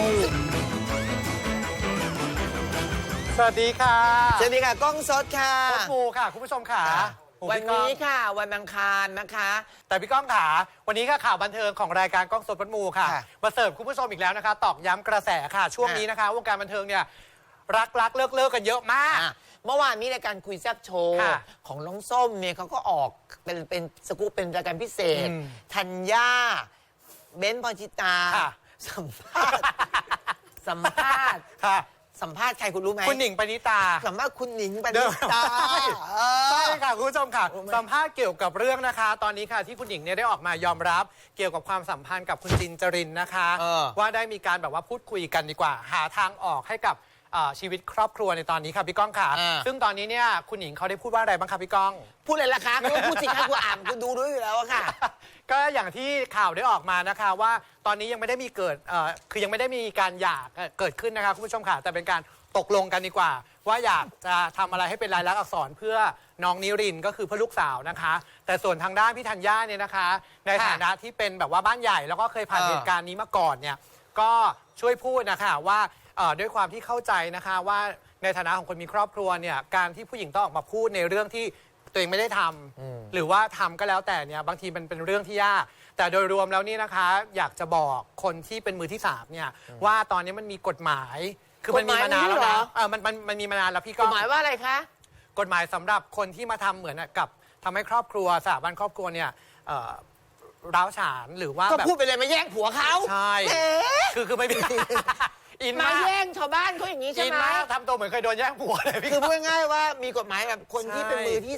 สวัสดีค่ะสวัสดีค่ะกล้องสดค่ะโค้ชมูค่ะคุณผู้ชมค่ะวันนี้ค่ะวันอังคารนะคะแต่พี่ก้องขาวันนี้ค่ะข่าวบันเทิงของรายการกล้องสดโค้ชมูค่ะมาเสิร์ฟคุณผู้ชมอีกแล้วนะคะตอกย้ำกระแสค่ะช่วงนี้นะคะวงการบันเทิงเนี่ยรักเลิกกันเยอะมากเมื่อวานนี้รายการคุยแซ่บโชว์ของน้องส้มเนี่ยเขาก็ออกเป็นสกู๊ปเป็นรายการพิเศษธัญญาเบนซ์พรชิตาสัมภาษณ์สัมภาษณ์ใครคุณรู้ไหมคุณหนิงปณิตาสัมภาษณ์คุณหนิงปณิตาใช่ค่ะคุณผู้ชมค่ะสัมภาษณ์เกี่ยวกับเรื่องนะคะ ตอนนี้ค่ะที่คุณหนิงเนี่ยได้ออกมายอมรับเกี่ยวกับความสัมพันธ์กับคุณจินจรินนะคะว่าได้มีการแบบว่าพูดคุยกันดีกว่าหาทางออกให้กับชีวิตครอบครัวในตอนนี้ค่ะพี่ก้องค่ะซึ่งตอนนี้เนี่ยคุณหนิงเขาได้พูดว่าอะไรบ้างคะพี่ก้องพูดอะไรล่ะคะก็พูดสิคะกูอ่านกูดูด้วยอยู่แล้วค่ะก็อย่างที่ข่าวได้ออกมานะคะว่าตอนนี้ยังไม่ได้มีคือยังไม่ได้มีการหย่าเกิดขึ้นนะคะคุณผู้ชมค่ะแต่เป็นการตกลงกันดีกว่าว่าอยากจะทำอะไรให้เป็นลายลักษณ์อักษรเพื่อน้องนิรินก็คือเพื่อลูกสาวนะคะแต่ส่วนทางด้านพี่ธัญญาเนี่ยนะคะในฐานะที่เป็นแบบว่าบ้านใหญ่แล้วก็เคยผ่านเหตุการณ์นี้มาก่อนเนี่ยก็ช่วยพูดนะคะว่าด้วยความที่เข้าใจนะคะว่าในฐานะของคนมีครอบครัวเนี่ยการที่ผู้หญิงต้องออกมาพูดในเรื่องที่ตัวเองไม่ได้ทำหรือว่าทำก็แล้วแต่เนี่ยบางทีมันเป็นเรื่องที่ยากแต่โดยรวมแล้วนี่นะคะอยากจะบอกคนที่เป็นมือที่3เนี่ยว่าตอนนี้มันมีกฎหมายคือมันมีมานานแล้วนะมันมีมานานแล้วพี่ก็กฎหมายว่าอะไรคะกฎหมายสำหรับคนที่มาทำเหมือนกับทำให้ครอบครัวสถาบันครอบครัวเนี่ยร้าวฉานหรือว่าก็พูดไปเลยมาแย่งผัวเขาใช่คือไม่มีอินมาแย่งชาวบ้านเขาอย่างนี้ใช่ไหมทำตัวเหมือนเคยโดนแย่งผัวเลยพี่คือพูดง่ายๆว่ามีกฎหมายแบบคนที่เป็นมือที่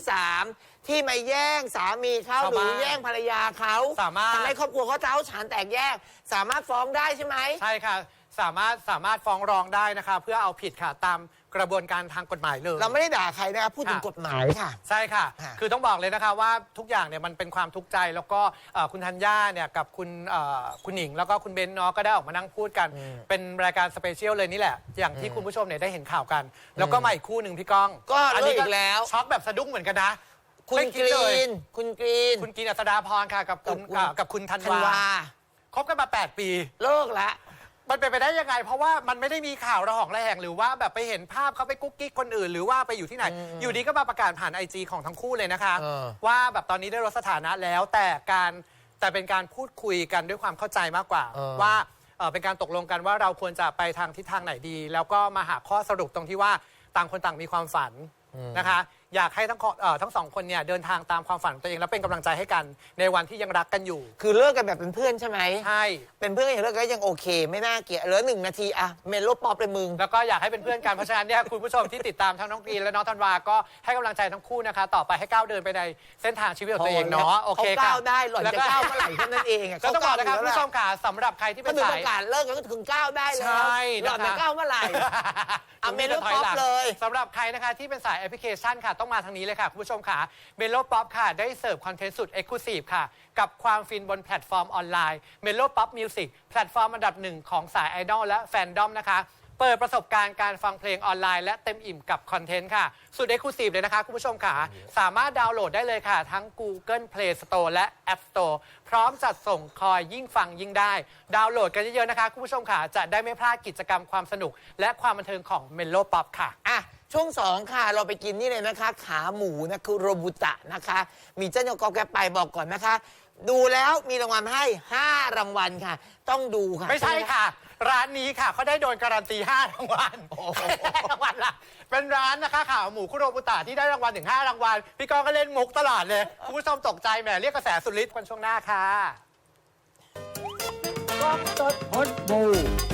3ที่มาแย่งสามีเขาหรือแย่งภรรยาเขาทำให้ครอบครัวเขาเจ้าฉานแตกแยกสามารถฟ้องได้ใช่ไหมใช่ค่ะสามารถฟ้องร้องได้นะคะเพื่อเอาผิดค่ะตามกระบวนการทางกฎหมายเลยเราไม่ได้ด่าใครนะคะพูดถึงกฎหมายค่ะใช่ค่ะคือต้องบอกเลยนะคะว่าทุกอย่างเนี่ยมันเป็นความทุกข์ใจแล้วก็คุณธัญญาเนี่ยกับคุณหนิงแล้วก็คุณเบนเนาะก็ได้ออกมานั่งพูดกันเป็นรายการสเปเชียลเลยนี่แหละอย่างที่คุณผู้ชมเนี่ยได้เห็นข่าวกันแล้วก็มาอีกคู่หนึ่งพี่ก้องก็อันนี้อีกแล้วช็อกแบบสะดุ้งเหมือนกันนะคุณกรีนอัศดาพรค่ะกับคุณธันวาคบกันมา8 ปีเลิกละมันเป็นไปได้ยังไงเพราะว่ามันไม่ได้มีข่าวระหองระแหงหรือว่าแบบไปเห็นภาพเขาไปกุ๊กกิ๊กคนอื่นหรือว่าไปอยู่ที่ไหนอยู่ดีก็มาประกาศผ่าน IG ของทั้งคู่เลยนะคะว่าแบบตอนนี้ได้ลดสถานะแล้วแต่เป็นการพูดคุยกันด้วยความเข้าใจมากกว่าว่าเป็นการตกลงกันว่าเราควรจะไปทางทิศทางไหนดีแล้วก็มาหาข้อสรุปตรงที่ว่าต่างคนต่างมีความฝันนะคะอยากให้ทั้งสองคนเนี่ยเดินทางตามความฝันของตัวเองแล้วเป็นกำลังใจให้กันในวันที่ยังรักกันอยู่คือเลิกกันแบบเป็นเพื่อนใช่ไหมใช่เป็นเพื่อนอย่างเลิกก็ยังโอเคไม่น่าเกลียดเหลือ1 นาทีอะเมโลป๊อปเลยมึงแล้วก็อยากให้เป็นเพื่อนกันเพราะฉะนั้นเนี่ยคุณผู้ชมที่ติดตามทั้งน้องกรีนและน้องธันวาก็ให้กำลังใจทั้งคู่นะคะต่อไปให้ก้าวเดินไปในเส้นทางชีวิตของตัวเองเนาะโอเคค่ะก้าวได้หล่อนจะก้าวเมื่อไหร่แค่นั้นเองก็ต้องบอกนะครับคุณผู้ชมค่ะสำหรับใครที่เป็นสายประกาศเลิกก็ถึงก้าวได้แล้วหล่อนจะก้าวเมื่อไหร่เมโลป๊อปเลยสำหรับใครนะคะที่เป็นสายแอปพลิเคชันค่ะต้องมาทางนี้เลยค่ะคุณผู้ชมค่ะเมโลป๊อปค่ะได้เสิร์ฟคอนเทนต์สุดเอ็กซ์คลูซีฟค่ะกับความฟินบนแพลตฟอร์มออนไลน์เมโลป๊อปมิวสิกแพลตฟอร์มอันดับ1ของสายไอดอลและแฟนดอมนะคะเปิดประสบการณ์การฟังเพลงออนไลน์และเต็มอิ่มกับคอนเทนต์ค่ะสุดเอ็กซ์คลูซีฟเลยนะคะคุณผู้ชมค่ะสามารถดาวน์โหลดได้เลยค่ะทั้ง Google Play Store และ App Store พร้อมจัดส่งคอยยิ่งฟังยิ่งได้ดาวน์โหลดกันเยอะๆนะคะคุณผู้ชมค่ะจะได้ไม่พลาดกิจกรรมความสนุกและความบันเทิงของเมโลป๊อปค่ะช่วง2ค่ะเราไปกินนี่เลยนะคะขาหมูนะคือโรบุตะนะคะมีเจ้าโยกแกไปบอกก่อนนะคะดูแล้วมีรางวัลให้5 รางวัลค่ะต้องดูค่ะไม่ใช่ค่ะร้านนี้ค่ะเขาได้โดนการันตี5 รางวัลรางวัลละเป็นร้านนะคะขาหมูคุโรบุตะที่ได้รางวัลถึง5 รางวัลพี่ก้องก็เล่นมุกตลอดเลยคุณผู้ชมตกใจแหมเรียกกระแสสุดฤทธิ์กันช่วงหน้าค่ะกล้องสดพดบู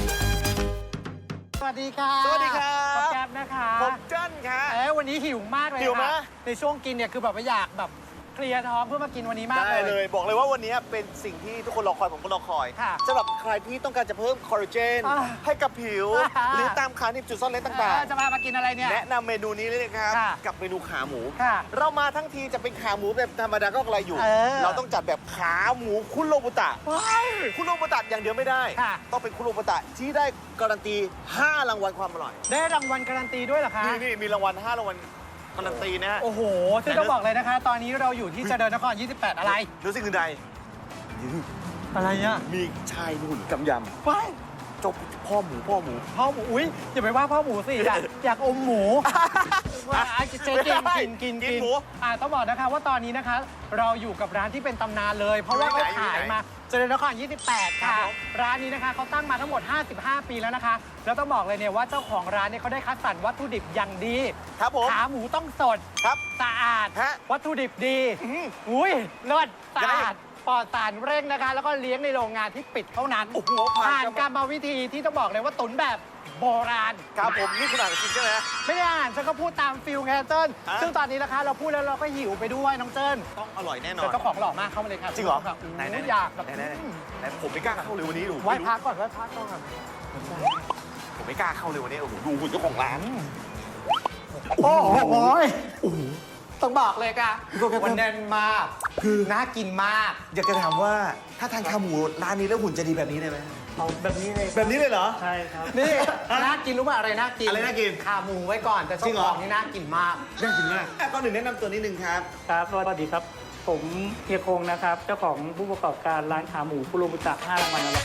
สวัสดีค่ะสวัสดีครับผมแก๊ปนะคะผมเจิ้นค่ะวันนี้หิวมากเลยหิวไหมในช่วงกินเนี่ยคือแบบว่าอยากแบบเคลียร์ท้องเพื่อมากินวันนี้มากได้เลยบอกเลยว่าวันนี้เป็นสิ่งที่ทุกคนรอคอยผมก็รอคอยสำหรับใครที่ต้องการจะเพิ่มคอลลาเจนให้กับผิวหรือตามขาหนีบจุดซ่อนเร้นต่างๆจะมากินอะไรเนี่ยแนะนำเมนูนี้เลยนะครับกับเมนูขาหมูเรามาทั้งทีจะเป็นขาหมูแบบธรรมดาก็อะไรอยู่เราต้องจัดแบบขาหมูคุโรบุตะคุโรบุตะอย่างเดียวไม่ได้ต้องเป็นคุโรบุตะที่ได้การันตี5 รางวัลความอร่อยได้รางวัลการันตีด้วยเหรอคะนี่มีรางวัล5 รางวัลการันตีนะโอ้โหซึ่งต้องบอกเลยนะคะตอนนี้เราอยู่ที่เจริญนคร28อะไรดูสิคือใดอะไรเนี่ยมีชายหุ่นกำยำไปจบพ่อหมูพ่อหมูอุ้ยอย่าไปว่าพ่อหมูสิอยากอมหมูว่าเจ๊กินหมูต้องบอกนะคะว่าตอนนี้นะคะ เราอยู่กับร้านที่เป็นตำนานเลย เพราะว่าเขาขายมาเจริญนคร 28 ค่ะร้านนี้นะคะเขาตั้งมาทั้งหมด 55 ปีแล้วนะคะแล้วต้องบอกเลยเนี่ยว่าเจ้าของร้านเนี่ยเขาได้คัดสรรวัตถุดิบอย่างดีครับผมขาหมูต้องสดครับสะอาดฮะวัตถุดิบดีอุ้ยเลิศสะอาดปลอดสารเร่งนะคะ แล้วก็เลี้ยงในโรงงานที่ปิดเท่านั้นโอ้โหผ่านกรรมวิธีที่ต้องบอกเลยว่าตุ๋นแบบโบราณครับผมนี่คุณอ่านจริงใช่ไหมไม่ได้อ่านฉันก็พูดตามฟิลไงเจิ้นฮะซึ่งตอนนี้นะคะเราพูดแล้วเราก็หิวไปด้วยน้องเจิ้นต้องอร่อยแน่นอแต่นเจ้าของหล่อมากเข้ามาเลยค่ะจริงเหรอไหนไหนอยากแบบไหนผมไม่กล้าเข้าเลยวันนี้ดูไหว้พระก่อนไหว้พระก่อนผมไม่กล้าเข้าเลยวันนี้โอ้โหดูคุณเจ้าของร้านโอ้โหต้องบอกเลยค่ะมันแน่นมากคือน่ากินมากอยากจะถามว่าถ้าทานขาหมูร้านนี้แล้วหุ่นจะดีแบบนี้ได้ไหมเอาแบบนี้เลยแบบนี้เลยเหรอใช่ครับนี่น่ากินรู้ป่ะอะไรน่ากินอะไรน่ากินขาหมูไว้ก่อนแต่จริเจ้างเหรขอองนี่น่ากินมากน่ากินมากก่อนอื่นแนะนำตัวนิดนึงครับครับสวัสดีครับ ผมเฮียคงนะครับ เจ้าของผู้ประกอบการร้านขาหมูคุโรบุตะ5รางวัลอร่อย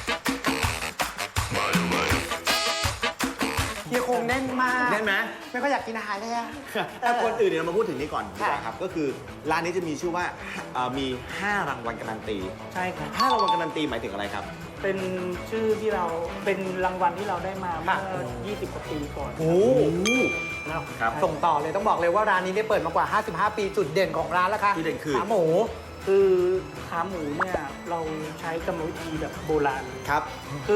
เฮียคงแน่นมากแน่นไหมไม่ก็อยากกินอาหารเลยอะก่อนอื่นเนี่ยเรามาพูดถึงนี้ก่อนดีกว่าค่ะครับก็คือร้านนี้จะมีชื่อว่ามี5รางวัลการันตีใช่ครับ 5รางวัลการันตีหมายถึงอะไรครับเป็นชื่อที่เราเป็นรางวัลที่เราได้มาเมื่อ 20 กว่าปีก่อนโอ้ครับส่งต่อเลยต้องบอกเลยว่าร้านนี้ได้เปิดมากว่า 55 ปีจุดเด่นของร้านแล้วค่ะจุดเด่นคือขาหมูคือขาหมูเนี่ยเราใช้กรรมวิธีแบบโบราณเลยครับคือ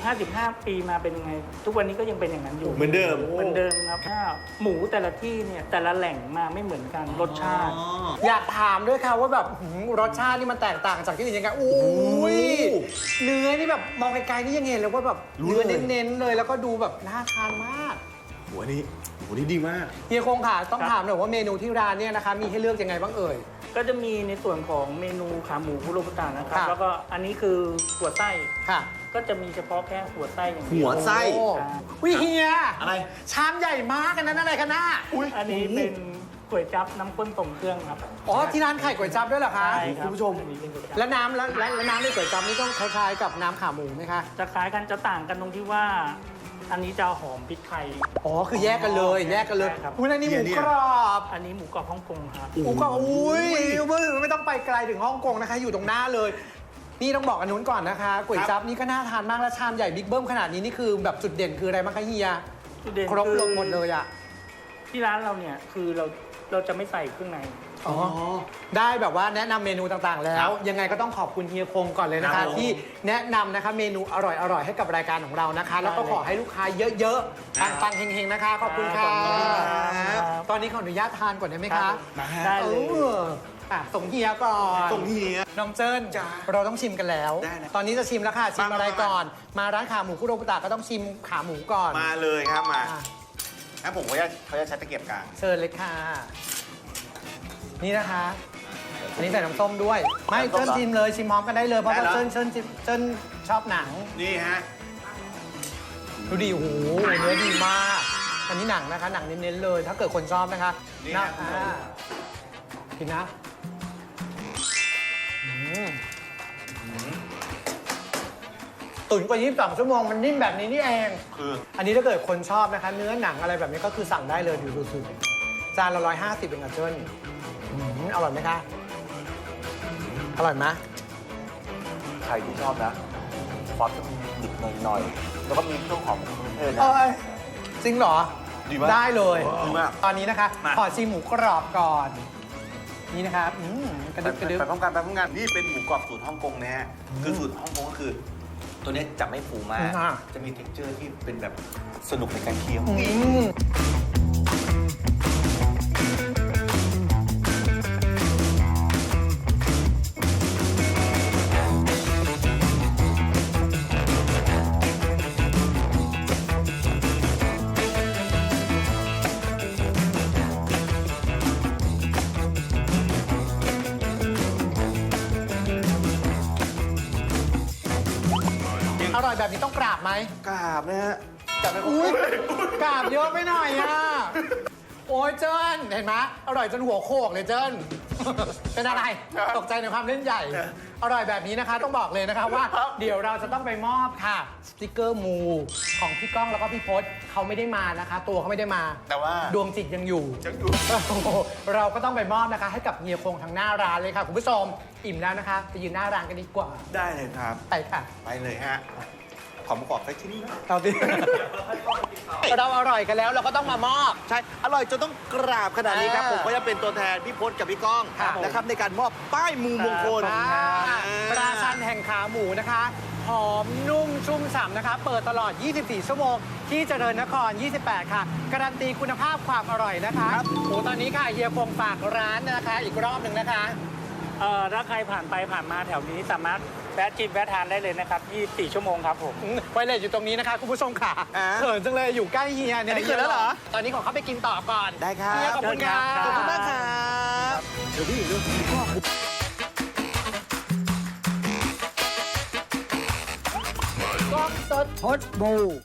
55 ปีมาเป็นยังไง ทุกวันนี้ก็ยังเป็นอย่างนั้นอยู่เหมือนเดิมเหมือนเดิมครับถ้าหมูแต่ละที่เนี่ยแต่ละแหล่งมาไม่เหมือนกันรสชาติอยากถามด้วยค่ะว่าแบบรสชาตินี่มันแตกต่างจากที่อื่นยังไงอุ้ยเนื้อนี่แบบมองไกลๆนี่ยังเห็นเลยว่าแบบรู้เนื้อเลยเน้นๆเลยแล้วก็ดูแบบน่าทานมากหัวนี้ดีมากเฮียคงค่ะต้องครับถามหน่อยว่าเมนูที่ร้านเนี่ยนะคะมีให้เลือกยังไงบ้างเอ่ยก็จะมีในส่วนของเมนูขาหมูคุโรบุตะนะครับค่ะแล้วก็อันนี้คือหัวไส้ค่ะก็จะมีเฉพาะแค่หัวไส้อย่างเดีหัยวไส้โอ้อ่าวิเฮียอะไรชามใหญ่มากอันนั้นอะไรกันน่ะอันนี้เป็นก๋วยจั๊บน้ำข้นส่งเครื่องครับอ๋อที่ร้านไข่ก๋วยจั๊บด้วยเหรอคะใช่ครับคุณผู้ชมอันนี้เป็นก๋วยจั๊บแล้วน้ำแล้วน้ำในก๋วยจั๊บนี่ต้องคล้ายๆกับน้ำขาหมูไหมคะจะคล้ายกันจะต่างกันตรงที่ว่า อันนี้จะหอมพริกไทยอ๋อคือแยกกันเลยแยกกันเลยใช่ครับอุ้ยอันนี้หมูเนี่ยกรอบอันนี้หมูกรอบฮ่องกงครับหมูกรอบอุ้ยไม่ต้องไปไกลถึงฮ่องกงนะคะ อยู่ตรงหน้าเลย นี่ต้องบอกอันนู้นก่อนนะคะก๋วยจั๊บนี่ก็น่าทานมากแล้วชามใหญ่บิ๊กเบิ้มขนาดนี้นี่คือแบบจุดเด่นคืออะไรบ้างคะเฮียจุดเด่นครบคือลงหมดเลยอ่ะที่ร้านเราเนี่ยคือเราจะไม่ใส่เครื่องในอ๋อได้แบบว่าแนะนำเมนูต่างๆ แล้ว ยังไงก็ต้องขอบคุณเฮียคงก่อนเลยนะครัคะบผมที่แนะนำนะคะเมนูอร่อยๆให้กับรายการของเรานะคะ แล้วก็ขอให้ลูกค้าเยอะๆปังๆเฮงๆนะคะขอบคุณค่ะครับตอนนี้ขออนุญาตทานก่อนได้ไหมคะมาฮะได้เลยส่งเฮียก่อนส่งเฮียน้องเจิ้นจ้าเราต้องชิมกันแล้วได้นะตอนนี้จะชิมแล้วค่ะชิมมาอะไรมาก่อน มาร้านขาหมูคุโรบุตะก็ต้องชิมขาหมูก่อนมาเลยครับมาอ่ะงั้นผมเขาจะใช้ตะเกียบกลางเชิญเลยค่ะ นี่นะคะ อันนี้ใส่น้ำส้มด้วย ไม่น้ำส้มเจิ้นเหรอชิมเลยชิมพร้อมกันได้เลยเพราะได้ว่าเหรอเจิ้นชอบหนังนี่ฮะดูดิโอ้โหเนื้อดีมาก อันนี้หนังนะคะ หนังเน้นๆเลย ถ้าเกิดคนชอบนะคะนี่นะครับกินนะตุ๋นกว่า22 ชั่วโมงมันนิ่มแบบนี้นี่เองคืออันนี้ถ้าเกิดคนชอบนะคะ เนื้อหนังอะไรแบบนี้ก็คือสั่งได้เลยดูสุดจานละ150เป็นกับเจิ้นอร่อยไหมคะ อร่อยไหมใครที่ชอบนะซอสจะมีดิบหน่อยๆ แล้วก็มีเครื่องหอมของเครื่องเทศนะเอ้ยจริงเหรอดีมากได้เลยดีมากตอนนี้นะคะมาขอชิมหมูกรอบก่อน นี่นะครับกระดึบกระดึบไปพร้อมกันนี่เป็นหมูกรอบสูตรฮ่องกงนะฮะคือสูตรฮ่องกงก็คือ ตัวเนี้ยจะไม่ฟูมากอ่าจะมี texture ที่เป็นแบบสนุกในการเคี้ยวอืมอร่อยแบบนี้ต้องกราบไหมกราบนะฮะกราบไปอุ้ยกราบเยอะไปหน่อยอ่ะโอ้ยเจิ้นเห็นไหมอร่อยจนหัวโขกเลยเจิ้น เป็นอะไรตกใจในความเล่นใหญ่ อร่อยแบบนี้นะคะต้องบอกเลยนะคะว่าเดี๋ยวเราจะต้องไปมอบค่ะสติกเกอร์มูของพี่ก้องแล้วก็พี่พศเขาไม่ได้มานะคะ ตัวเขาไม่ได้มาแต่ว่าดวงจิตยังอยู่ยังอยู่เราก็ต้องไปมอบนะคะ ให้กับเฮียคงทางหน้าร้านเลยค่ะคุณผู้ชมอิ่มแล้วนะคะไปยืนหน้าร้านกันดีกว่าได้เลยครับไปค่ะไปเลยฮะ ขอประกอบสักชิ้นนะเราดิ เราอร่อยกันแล้วเราก็ต้องมามอบใช่ อร่อยจนต้องกราบขนาดนี้ครับ ผมก็จะเป็นตัวแทนพี่พศกับพี่ก้องครับผมนะครับในการมอบป้ายมูมงคลราชันแห่งขาหมูนะคะหอมนุ่มชุ่มฉ่ำนะคะ เปิดตลอด 24 ชั่วโมง ที่เจริญนคร 28 ค่ะ การันตีคุณภาพความอร่อยนะคะครับโอ้ตอนนี้ค่ะเฮียคงฝากร้านนะคะ อีกรอบหนึ่งนะคะถ้าใครผ่านไปผ่านมาแถวนี้สามารถแวะชิมแวะทานได้เลยนะครับ 24 ชั่วโมงครับผมไวเลสอยู่ตรงนี้นะคะคุณผู้ชมค่ะอ่าเขินจังเลยอยู่ใกล้เฮียเนี่ยอันนี้เขินแล้วเหรอตอนนี้ขอเข้าไปกินต่อก่อนได้ครับเฮียขอบคุณค่ะขอบคุณมากครับเดี๋ยวพี่เรื่องพี่ก้องกล้องสดพดบู